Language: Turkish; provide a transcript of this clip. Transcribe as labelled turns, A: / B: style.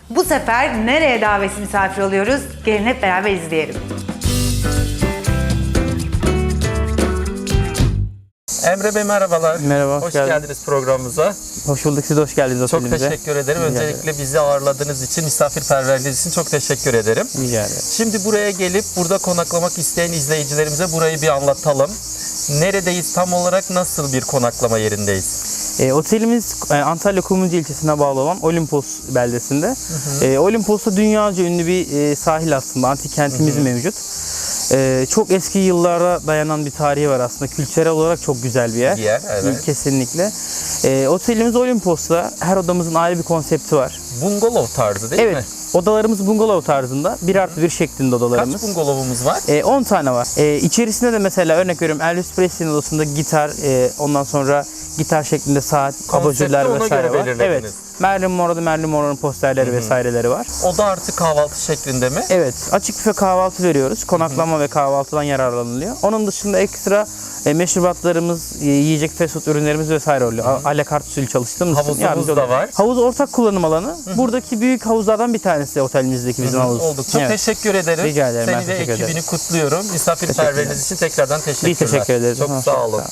A: Bu sefer nereye davetsiz misafir oluyoruz? Gelin hep beraber izleyelim.
B: Emre Bey merhabalar.
C: Merhaba,
B: Hoş geldiniz programımıza.
C: Hoş bulduk, siz de hoş geldiniz
B: Çok
C: otelimize.
B: teşekkür ederim.
C: Rica
B: Öncelikle bizi ağırladığınız için, misafirperverliğiniz için çok teşekkür ederim.
C: Rica ederim.
B: Şimdi buraya gelip burada konaklamak isteyen izleyicilerimize burayı bir anlatalım. Neredeyiz, tam olarak nasıl bir konaklama yerindeyiz?
C: Otelimiz Antalya Kumluca ilçesine bağlı olan Olimpos beldesinde. Olimpos'ta dünyaca ünlü bir sahil aslında, antik kentimiz mevcut. Çok eski yıllara dayanan bir tarihi var aslında. Kültürel olarak çok güzel bir yer.
B: Evet.
C: Kesinlikle. Otelimiz Olimpos'ta. Her odamızın ayrı bir konsepti var.
B: Bungalov tarzı değil mi?
C: Evet. Odalarımız bungalov tarzında. 1+1 şeklinde odalarımız.
B: Kaç bungalovumuz var?
C: 10 tane var. İçerisinde de mesela örnek veriyorum Elvis Presley'nin odasında gitar, ondan sonra gitar şeklinde saat, abajurlar
B: ona
C: vesaire
B: göre
C: var.
B: belirlediniz.
C: Evet. Marilyn Monroe'nun posterleri vesaireleri var.
B: O da artık kahvaltı şeklinde mi?
C: Evet. Açık büfe kahvaltı veriyoruz. Konaklama ve kahvaltıdan yararlanılıyor. Onun dışında ekstra meşrubatlarımız, yiyecek fast food ürünlerimiz vesaire oluyor. Alakart usulü çalıştığımız için
B: Havuzumuz
C: yardımcı
B: da
C: oluyor.
B: var.
C: Havuz ortak kullanım alanı. Buradaki büyük havuzlardan bir tanesi otelimizdeki bizim havuz.
B: Olduk. Çok
C: Evet.
B: teşekkür ederim.
C: Rica ederim, ben
B: Seni ve
C: teşekkür
B: ekibini
C: ederim.
B: kutluyorum. Misafirperverliğiniz için tekrardan teşekkürler.
C: Biz teşekkür ederiz.
B: Çok sağ olun.